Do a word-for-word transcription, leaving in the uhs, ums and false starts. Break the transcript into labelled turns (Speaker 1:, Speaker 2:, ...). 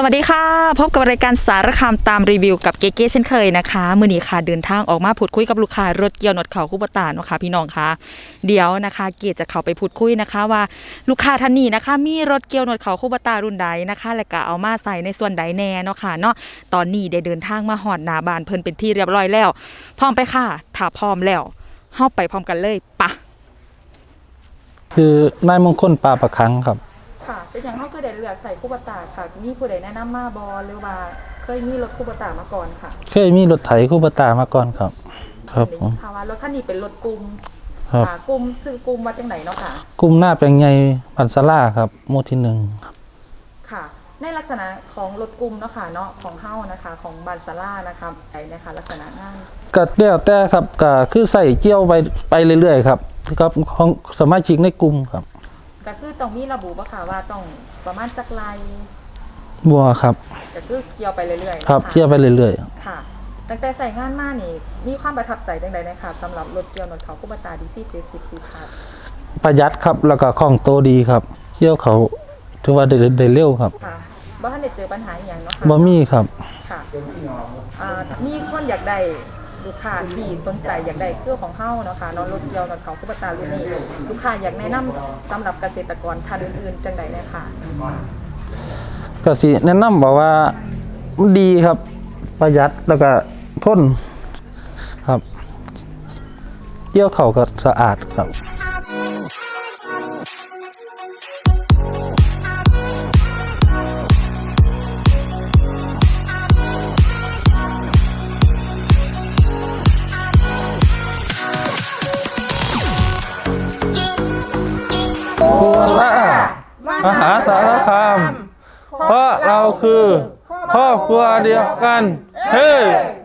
Speaker 1: วัสดีค่ะพบกับรายการสารคามตามรีวิวกับเก๋ๆเช่นเคยนะคะมื้อนี้ค่ะเดินทางออกมาพูดคุยกับลูกค้ารถเกี่ยวหนวดเขาคู่ปตาเนาะค่ะพี่น้องค่ะเดี๋ยวนะคะเก๋จะเข้าไปพูดคุยนะคะว่าลูกค้าท่านนี้นะคะมีรถเกี่ยวหนวดเขาคู่ปตารุ่นใดนะคะและก็เอามาใส่ในส่วนใดแน่เนาะค่ะเนาะตอนนี้ได้เดินทางมาฮอดหน้าบ้านเพิ่นเป็นที่เรียบร้อยแล้วพร้อมไปค่ะถ้าพร้อมแล้วเฮาไปพร้อมกันเลยปะ
Speaker 2: คือนายมงคลปลาประคังครับ
Speaker 1: ค่ะเป็นอย่างเฮาคือได้เลือกใส่คู่ปตาค่ะมีผู้ใดแนะนำมาบ่หรือว่าเคยมีรถคู่ปตามาก่อนค่ะ
Speaker 2: เคยมีรถไถคู่ปตามาก่อนครับครับผม
Speaker 1: ค่ะว่ารถคันนี้เป็นรถกลุ่ม
Speaker 2: ครับ
Speaker 1: กลุ่มซื้อกลุ่มมาจากไหนเนาะค่ะ
Speaker 2: กลุ่มหน้าแปลงใหญ่บันซาร่าครับหมู่ที่หนึ่งครับ
Speaker 1: ค่ะในลักษณะของรถกลุ่มเนาะค่ะเนาะของเฮ้านะคะของบันซาร่านะคะไอ้นะคะลักษณะงาน
Speaker 2: ก็แล้วแต่ครับก็คือใส่เกี่ยวไปไปเรื่อยๆครับครับของสมาชิกในกลุ่มครับ
Speaker 1: ก็คือต้องมีระบุว่าค่ะว่าต้องประมาณจักรไร
Speaker 2: บัวครับ
Speaker 1: ก็คือเกี่ยวไปเรื่อย
Speaker 2: ๆครับเกี่ยวไปเรื่อย
Speaker 1: ๆค่ะตั้งแต่ใส่งานมานี่มีความประทับใจจังใดนะคะสำหรับรถเกี่ยวหนวดเขาคู่ปตาดีซี่เจ็ดสิบสี่พัด
Speaker 2: ประหยัดครับแล้วก็คล่องตัวดีครับเกี่ยวเขาถือว่าได้ได้เร็วครับ
Speaker 1: ค่ะบ่ทันได้เจอปัญหาอย่างเนาะค่ะ
Speaker 2: บ่มีครับ
Speaker 1: ค่ะอ่ามีคนอยากได้ลูกค้าที่สนใจอยากได้เครื่องของเฮ้าเนาะค่ะนอนรถเกี่ยวรถเขาคู่ปตารุ่นนี้ลูกค้าอยากแนะนำสำหรับเกษตรกรท่านอื่นๆจังใดเนี่ยค่ะ
Speaker 2: ก็สิแนะนำบอกว่ามันดีครับประหยัดแล้วก็ทนครับเกี่ยวเขาก็สะอาดครับมหาสารคามเพราะเราคือครอบครัวเดียวกันเฮ้